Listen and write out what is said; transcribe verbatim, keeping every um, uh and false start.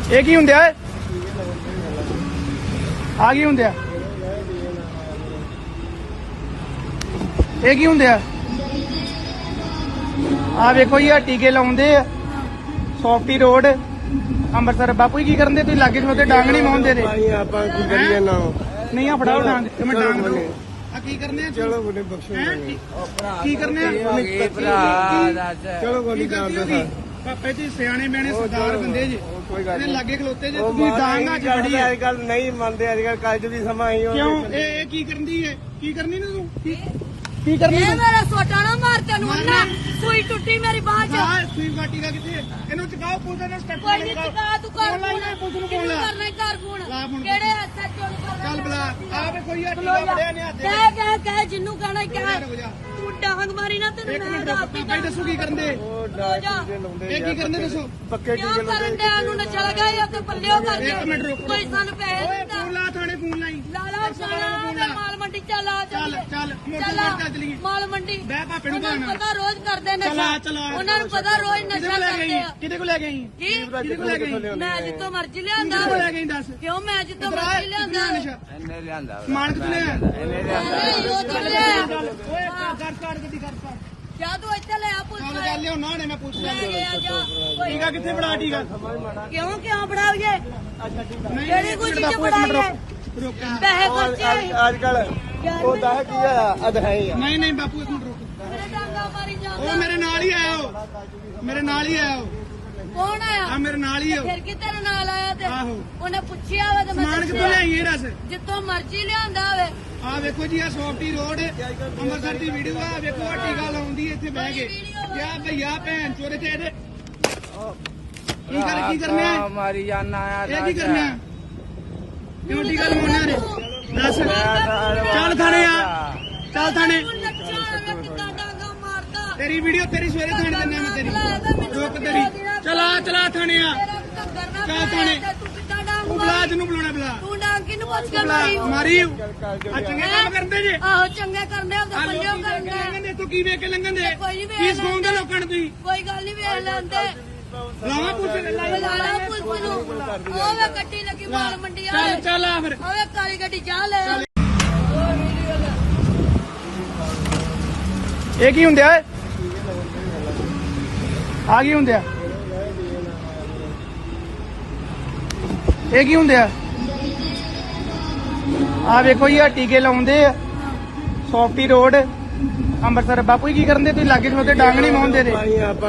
ਇਹ ਕੀ ਹੁੰਦਿਆ ਏ? ਆ ਕੀ ਹੁੰਦਿਆ? ਇਹ ਕੀ ਹੁੰਦਿਆ? ਆ ਵੇਖੋ ਜੀ, ਆ ਟੀਕੇ ਲਾਉਂਦੇ ਆ ਸੌਫਟੀ ਰੋਡ ਅੰਮ੍ਰਿਤਸਰ। ਬਾਪੂ ਜੀ ਕੀ ਕਰਨ ਦੇ ਤੁਸੀਂ? ਲਾਗੇ ਨੂੰ ਤੇ ਡਾਂਗ ਨਹੀਂ ਮਾਉਂਦੇ ਦੇ। ਆਪਾਂ ਕੀ ਕਰੀਏ ਨਾ? ਨਹੀਂ ਆ ਫੜਾਓ ਡਾਂਗ ਤੇ ਮੈਂ ਡਾਂਗ ਦਊ। ਆ ਕੀ ਕਰਨੇ ਆ? ਚਲੋ ਬੜੇ ਬਖਸ਼ੋ ਕੀ ਕਰਨੇ ਆ? ਚਲੋ ਗੋਲੀ ਕਰ ਦੋ। ਪਾਪੇ ਜੀ ਸਿਆਣੇ ਬਿਆਣੇ ਸਰਦਾਰ ਬੰਦੇ ਜੀ, ਕੋਈ ਗੱਲ ਇਹਦੇ ਲਾਗੇ ਖਲੋਤੇ ਜੇ ਉਹ ਤੁਸੀਂ ਡਾਂਗ ਅੱਜ ਫੜੀ ਆ। ਅੱਜ ਕੱਲ ਨਹੀਂ ਮੰਨਦੇ, ਅੱਜ ਕੱਲ ਕੱਜ ਦੀ ਸਮਾਂ ਹੀ ਕਿਉਂ? ਇਹ ਇਹ ਕੀ ਕਰਨਦੀ ਏ? ਕੀ ਕਰਨੀ ਨੀ ਤੂੰ? ਕੀ ਕੀ ਕਰਨੀ ਇਹ ਤੂੰ? ਮੇਰਾ ਸੋਟਾ ਨਾ ਮਾਰ ਤੈਨੂੰ ਨਾ, ਸੂਈ ਟੁੱਟੀ ਮੇਰੀ ਬਾਹ ਚ। ਆ ਸੂਈ ਬਾਟੀ ਦਾ ਕਿੱਥੇ? ਇਹਨੂੰ ਚਕਾਓ ਪੁਲਿਸ ਨੇ ਸਟੈਪ ਕੋਈ ਨਹੀਂ ਚਕਾ ਤੂੰ ਕਰ ਫੋਨ ਲਾਈ ਪੁਲਿਸ ਨੂੰ ਫੋਨ ਕਿਹਨੂੰ ਲਾ। ਕਰਨਾ ਈ ਘਰ ਫੋਨ? ਲਾ ਫੋਨ। ਕਿਹੜੇ ਹੱਥਾਂ ਚੋਂ ਕਰਨਾ? ਚੱਲ ਬਲਾ ਆ ਵੇ ਕੋਈ ਆ ਟੀਕਾ ਬੜਿਆ ਨੇ ਹੱਥੇ। ਕਹਿ ਕਹਿ ਕਹਿ ਜਿੰਨੂੰ ਕਹਿਣਾ ਈ ਕਹਿ। ਰੁਕ ਜਾ ਤੂੰ ਡਾਂਗ ਮਾਰੀ ਨਾ ਤੈਨੂੰ ਇੱਕ ਮੈਂ ਮਿੰਟ ਦੱਸ ਰੁਕ। ਪਾਪਾ ਜੀ ਦੱਸੋ ਕੀ ਕਰਨ ਦੇ? ਉਹ ਰੋ ਡਾਕ ਜਾ। ਟੀਕੇ ਲਾਉਂਦੇ ਇਹ ਕੀ ਕਰਨ ਦੇ ਦੱਸੋ? ਪੱਕੇ ਕਿਉਂ ਟੀਕੇ ਕਰਨ ਲਾਉਂਦੇ। ਡਿਆ ਨੂੰ ਨਾ ਚਲ ਗਿਆ ਜਾਂ ਤੇ ਪੱਲਿਓ ਕਰ ਇੱਕ ਮਿੰਟ ਰੁਕ। ਕੋਈ ਸਾਨੂੰ ਪੈਸੇ ਓਏ ਦਿੰਦਾ। ਫੋਨ ਲਾ, ਥਾਣੇ ਫੋਨ ਲਾਈ। ਲਾਲਾ ਸਾਲਾ ਮਾਲ ਮੰਡੀ ਚੱਲ ਆ ਚੱਲ ਚੱਲ ਮੋਟਰ ਤੇ ਚੱਲੀਏ। ਮਾਲ ਮੰਡੀ ਬਹਿ ਭਾਪੇ ਨੂੰ ਉਹਨਾਂ ਨੂੰ ਭਾਣਾ। ਪਤਾ ਰੋਜ਼ ਕਰਦੇ ਚਲਾ ਨਸ਼ਾ। ਚਲਾ ਉਹਨਾਂ ਨੂੰ ਪਤਾ ਰੋਜ਼ ਕਿਹਦੇ ਨਸ਼ਾ ਕੋਲ ਲੈ ਕਰਦੇ ਗਈ? ਆ। ਕਿਹਦੇ ਕੋਲ ਲੈ ਗਈ? ਕੀ ਕਿਹਦੇ ਕੋਲ ਲੈ ਗਈ? ਮੈਂ ਜਿੱਤੋਂ ਮਰਜ਼ੀ ਲਿਆਂਦਾ ਕਿਹਦੇ ਕੋਲ ਲੈ ਗਈ ਦੱਸ? ਕਿਉਂ ਮੈਂ ਜਿੱਤੋਂ ਕਿੱਧਰ ਆ? ਮਰਜ਼ੀ ਲਿਆਂਦਾ ਨਸ਼ਾ ਇਹਨੇ ਲਿਆਂਦਾ ਸਮਾਨ ਕਿੱਥੋਂ ਲਿਆ? ਨਹੀਂ ਉਹ ਤਾਂ ਲਿਆ ਓਏ ਕਰ ਕਰ ਗੱਡੀ ਕਰ ਕਰ। ਜਾ ਤੂੰ ਇੱਥੇ ਲੈ ਆ ਪੁੱਛ ਚੱਲ ਗੱਲ ਲਿਆਉਣਾ ਨੇ ਮੈਂ ਪੁੱਛ ਲੈ ਲਿਆ। ਗਿਆ ਜਾ ਕੋਈ ਟੀਕਾ ਕਿੱਥੇ ਬੜਾ ਟੀਕਾ? ਕਿਉਂ ਕਿਉਂ ਬੜਾਈਏ ਨਹੀਂ, ਕਿਹੜੀ ਕੋਈ ਚੀਜ਼ ਇੱਕ ਮਿੰਟ ਬੜਾਈਏ ਰੁਕ। ਪੈਸੇ ਖਰਚੇ ਅੱਜ ਕੱਲ ਉਹ ਦਾ ਕੀ ਆ ਅਧਹੀ ਆ। ਨਹੀਂ ਨਹੀਂ ਬਾਪੂ ਇੱਕ ਮਿੰਟ ਰੁਕ। ਮੇਰੇ ਡਾਂਗਾ ਮਾਰੀ ਉਹ ਜਾਂਦਾ ਮੇਰੇ ਨਾਲ ਹੀ ਆਇਆ ਉਹ ਮੇਰੇ ਨਾਲ ਹੀ ਆਇਆ ਉਹ ਕੌਣ ਆਇਆ ਆ ਮੇਰੇ ਨਾਲ ਹੀ ਉਹ। ਫਿਰ ਕਿ ਤੇਰੇ ਨਾਲ ਆਇਆ ਤੇ ਆਹੋ। ਉਹਨੇ ਪੁੱਛਿਆ ਵਾ ਤੇ ਮੈਂ ਸਮਾਨ ਕਿੱਥੋਂ ਦੱਸਿਆ। ਲਿਆਈ ਇਹ ਦੱਸ? ਜਿੱਥੋਂ ਮਰਜ਼ੀ ਲਿਆਂਦਾ ਹੋਵੇ ਆ ਵੇਖੋ ਜੀ, ਆ ਸੌਫਟੀ ਰੋਡ ਅੰਮ੍ਰਿਤਸਰ ਦੀ ਵੀਡੀਓ ਆ। ਵੇਖੋ ਆ ਟੀਕਾ ਲਾਉਂਦੀ ਇੱਥੇ ਬਹਿ ਕੇ। ਯਾ ਭਈਆ ਭੈਣ ਚੋਰੇ ਤੇ ਇਹਦੇ ਕੀ ਕਰ ਕੀ ਕਰਨੇ ਆ? ਮਾਰੀ ਜਾਨਾ ਆ ਇਹ ਕੀ ਕਰਨੇ ਆ? ਕਿਉਂ ਟੀਕਾ ਲਵਾਉਣਾ ਨੇ? ਦੱਸ। ਚੱਲ ਥਾਣੇ ਆ, ਚੱਲ ਥਾਣੇ। ਤੂੰ ਨੱਚਾ ਐਵੇਂ ਕਿੱਦਾਂ ਡਾਂਗਾ ਮਾਰਦਾ ਤੇਰੀ ਵੀਡੀਓ ਤੇਰੀ ਸਵੇਰੇ ਥਾਣੇ ਦਿੰਨੇ ਮੈਂ ਤੇਰੀ। ਰੁਕ ਤੇਰੀ। ਚਲਾ ਚਲਾ ਥਾਣੇ ਆ। ਤੇਰਾ ਘੱਗਰ ਨਾ ਚੱਲ ਪਾਇਆ ਥਾਣੇ। ਤੇ ਤੂੰ ਕਿੱਦਾਂ ਡਾਂਗ ਤੂੰ ਬੁਲਾ ਜਿਹਨੂੰ ਬੁਲਾਉਣਾ ਬੁਲਾ। ਤੂੰ ਡਾਂਗ ਕਿਹਨੂੰ ਪੁੱਛ ਕੇ ਬੁਲਾ ਮਾਰੀ ਮਾਰੀ ਆ ਚੰਗੇ ਕੰਮ ਕਰਦੇ ਜੇ। ਆਹੋ ਚੰਗੇ ਕਰਦੇ ਆ ਤੇ ਆ ਪੱਲਿਓ ਲੋਕੀ ਵੇਖ ਕੇ ਕਰਦੇ ਲੰਘਣ ਦੇ, ਤੂੰ ਕੀ ਵੇਖ ਕੇ ਲੰਘਣ ਦੇ? ਕੋਈ ਨੀ ਵੇਖ ਕੀ ਸਿਖਾਉਂਦੇ ਲੋਕਾਂ ਨੂੰ ਤੁਸੀਂ? ਕੋਈ ਗੱਲ ਨਹੀਂ ਵੇਖ ਲੈਂਦੇ ਲਾਵਾ ਪੁੱਛ ਲੈ। ਲਾਲਾ ਪੁਲਿਸ ਨੂੰ ਉਹ ਵੇ ਗੱਡੀ ਲੱਗੀ ਮਾਲ ਮੰਡੀ ਚੱਲ ਵਾਲੇ ਚੱਲ ਆ ਫਿਰ। ਉਹ ਵੇ ਕਾਲੀ ਗੱਡੀ ਜਾ ਲੈ ਇਹ ਕੀ ਹੁੰਦਿਆ ਏ? ਆ ਕੀ ਹੁੰਦਿਆ? ਇਹ ਕੀ ਹੁੰਦਿਆ? ਆ ਵੇਖੋ ਜੀ, ਆ ਟੀਕੇ ਲਾਉਂਦੇ ਆ ਸੌਫਟੀ ਰੋਡ ਅੰਮ੍ਰਿਤਸਰ। ਬਾਪੂ ਜੀ ਕੀ ਕਰਨ ਦੇ ਤੁਸੀਂ? ਲਾਗੇ ਨੂੰ ਤੇ ਡਾਂਗ ਨਹੀਂ ਮਾਉਂਦੇ ਦੇ। ਆਪਾਂ